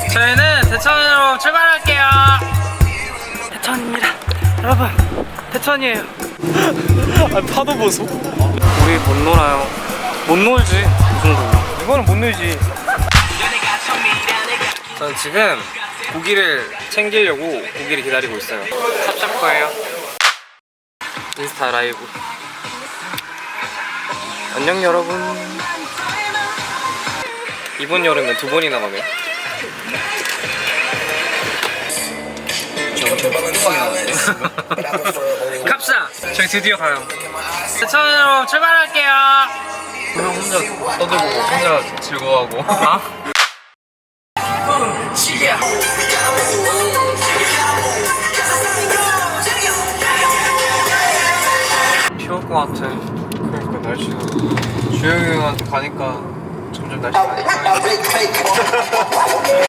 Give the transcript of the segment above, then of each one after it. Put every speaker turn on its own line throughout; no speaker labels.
저희는 대천으로 출발할게요. 대천입니다. 여러분, 대천이에요.
아, 파도 보소.
우리 못 놀아요. 못 놀지, 이 정도면.
이거는 못 놀지.
전 지금 고기를 챙기려고 고기를 기다리고 있어요. 찹찹 거예요. 인스타 라이브. 안녕 여러분. 이번 여름에 2번이나 가네. 갑시다. 저희 드디어 가요. 대천으로 출발할게요.
그냥 혼자 떠들고 혼자 즐거워하고.
아? 비올 것 같아.
그러니까 날씨가 주영이 형한테 가니까 점점 날씨가 많이 이상해져.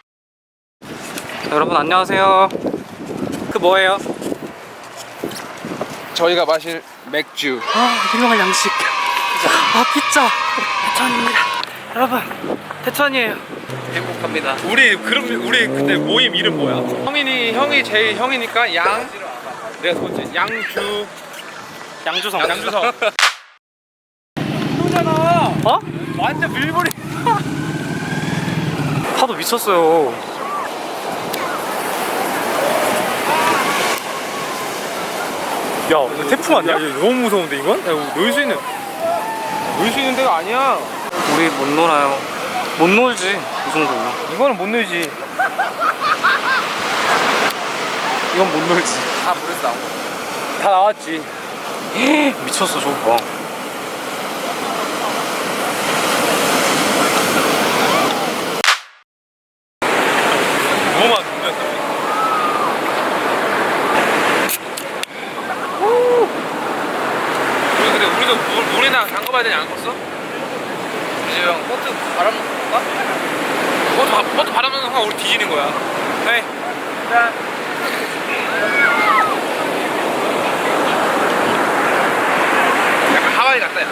여러분 안녕하세요. 그 뭐예요?
저희가 마실 맥주.
유명한 양식. 피자. 대천입니다. 여러분, 대천이에요. 행복합니다.
우리 근데 모임 이름 뭐야? 형이 제일 형이니까 양. 내가 두 번째 양주.
양주성.
양주성. 이거잖아.
어?
완전 밀보리.
파도 미쳤어요.
야, 너 태풍 아니야? 야, 너무 무서운데 이건? 야, 놀 수 있는 데가 아니야.
우리 못 놀아요. 못 놀지, 이 정도면.
이거는 못 놀지.
이건 못 놀지.
다 물에서 나온 거. 다 나왔지.
미쳤어, 저거 봐.
너무 많은데. 근데 우리도 물에나 담가봐야 되지 않겠어? 이제 형 버트 바람 볼까? 버트 바람 넣는 순간 우리 뒤지는 거야. 네. 자. 약간 하와이 같다 야.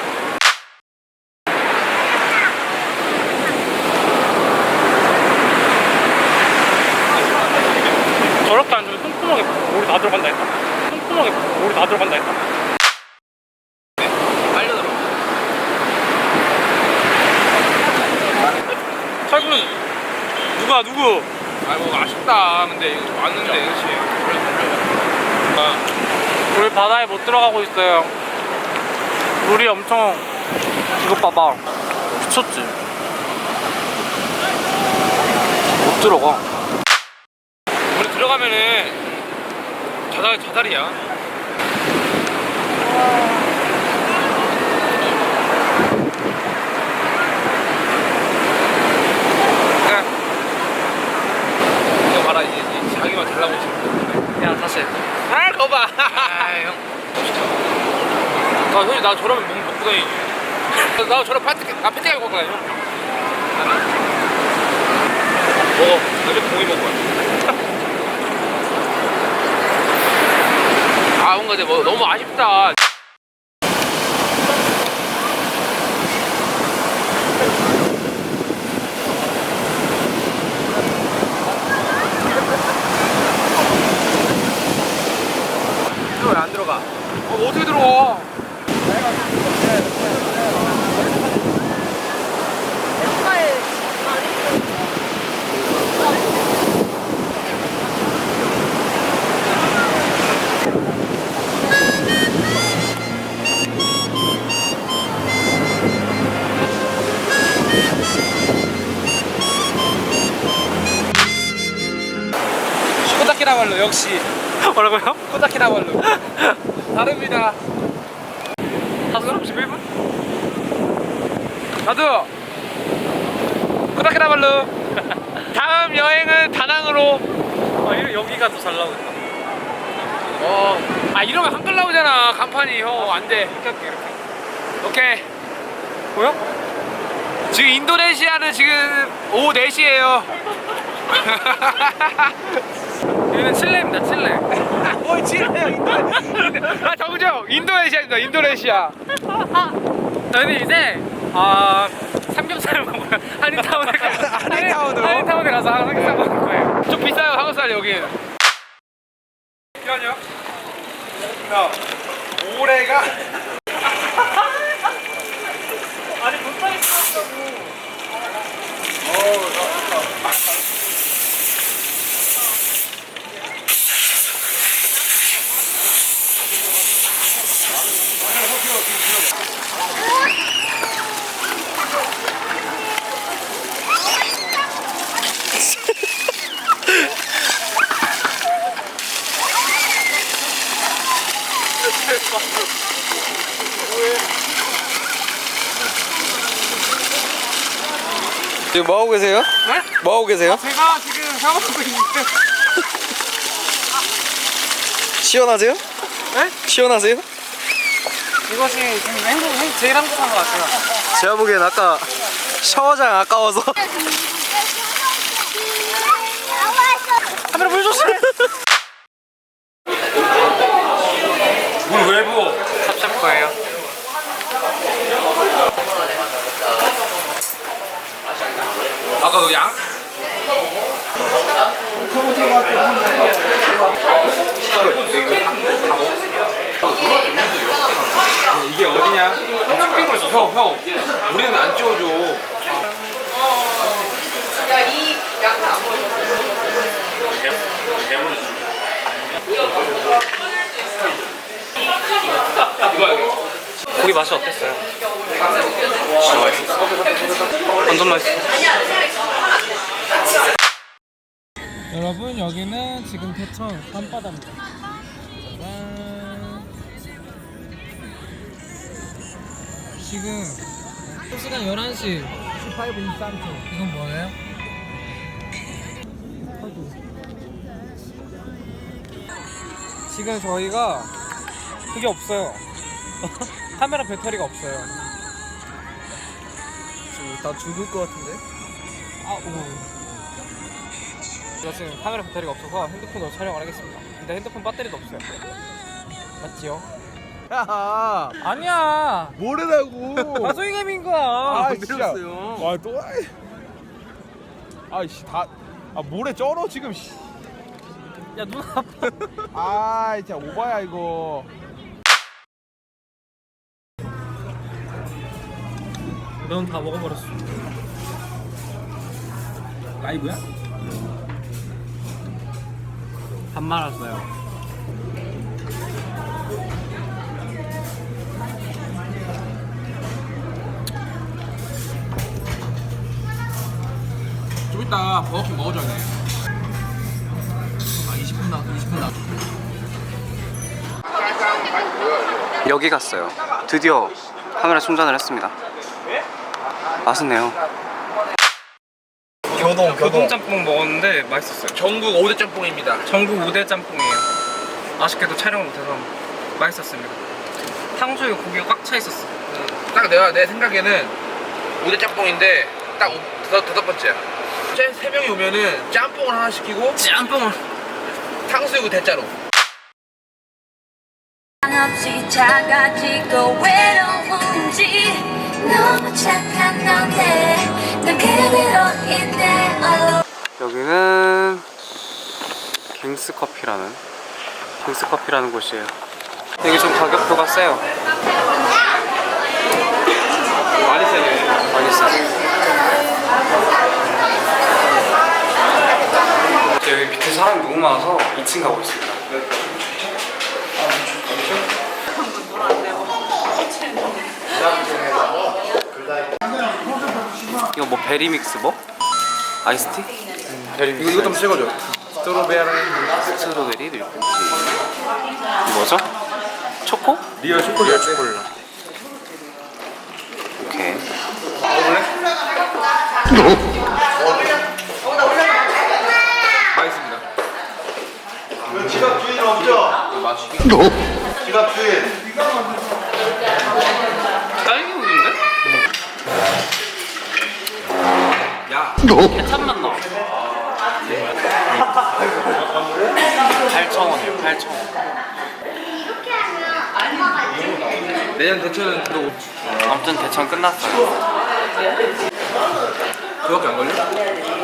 저렇게 앉으면 뚱뚱하게 물이 다 들어간다 했다. 뚱뚱하게 물이 다 들어간다 했다.
알려들어.
철군 누구?
아이고 아쉽다. 근데 이거 왔는데 그렇지.
우리 바다에 못 들어가고 있어요. 물이 엄청, 이거 봐봐. 미쳤지? 못 들어가.
우리 들어가면은 자살이야. 이거 봐라 이제 자기만 잘나고 있어.
야, 다시.
아 거봐. 형. 나 형이 나 저러면 몸 먹고 다니지. 나 저런 패티 갈고 다녀. 먹어. 나좀 고기 먹어. 아 뭔가 근데 뭐 너무 아쉽다. 왜 안 들어가? 어떻게 들어가? 코다키나발루 역시.
뭐라고요?
코다키나발루. 다릅니다.
5시 31분?
나도 코다키나발루. 다음 여행은 다낭으로.
여기가 더 잘 나오겠다.
아 이러면 한글 나오잖아 간판이. 형 안돼.
이렇게.
오케이.
보여?
지금 인도네시아는 지금 오후 4시에요.
여기는 칠레입니다, 칠레.
뭘 칠레야 인도네시아. 아 적으죠? 인도네시아입니다. 인도네시아.
저희는 이제 삼겹살 먹어요. 한인타운에 가서
한인타운으로?
한인타운에 가서 삼겹살 먹을 거예요. 좀 비싸요 삼겹살 여기.
잠깐만요. 야, 올해가
아니 못하게 찍었다고.
지금 뭐 하고 계세요?
네?
뭐 하고 계세요?
제가 지금 샤워하고 있는데.
시원하세요?
네?
시원하세요?
이것이 지금 제일 행복한 것 같아요.
제가 보기엔 아까 샤워장 아까워서
카메라 물 조심해.
물 왜 부어?
찹찹 거예요.
아까 그 양? 이게 어디냐? 쇼핑몰 있어. 형, 우리는 안 찍어줘.
고기 맛이 어땠어요? 진짜 맛있어. 완전 맛있어. 여러분 여기는 지금 대천 밤바다입니다. 짜잔. 지금 시간 11시 18분 23초. 이건 뭐예요? 지금 저희가 그게 없어요. 카메라 배터리가 없어요.
지금 다 죽을 것 같은데?
아, 오. 제가 지금 카메라 배터리가 없어서 핸드폰으로 촬영을 하겠습니다. 근데 핸드폰 배터리도 없어요. 맞지요?
야,
아니야.
뭐래라고?
가소이감인 거야.
아, 진짜.
내렸어요.
와, 또 아이씨, 모래 쩔어 지금. 씨.
야, 눈 아파.
아, 진짜 오바야 이거.
넌 다 먹어버렸어.
라이브야?
밥 말았어요.
좀 이따 버거킹 먹어줘야 돼. 20분 나.
여기 갔어요. 드디어 카메라 충전을 했습니다. 맛있네요.
교동 짬뽕 먹었는데 맛있었어요.
전국 5대 짬뽕입니다.
전국 5대 짬뽕이에요. 아쉽게도 촬영을 못해서 맛있었습니다. 탕수육에 고기가 꽉 차 있었어.
딱 내 생각에는 5대 짬뽕인데 딱 다섯 번째야. 세 명이 오면은 짬뽕을 하나 시키고
짬뽕을.
탕수육을 대짜로.
한없이 작아지고 외로운지 너무 착한 너네 난 그대로인데
여기는 갱스커피라는 곳이에요. 여기 좀 가격표가 세요.
많이 세네.
많이 싸요. 여기 밑에 사람이 너무 많아서 2층 가고 있습니다. 이거 뭐 베리믹스 뭐? 아이스티? 베리믹스.
이거 좀 찍어줘.
스트로베리 밀크티. 뭐죠? 초코?
리얼 초콜릿.
오케이.
맛있습니다.
지갑 주인 없죠? 지갑 주인.
딸기 우유인데?
야.
케찹 맛 나. 8,000원이에요. 8,000원.
내년 대천은 또
아무튼 대천 끝났어요.
그거밖에 안 걸려?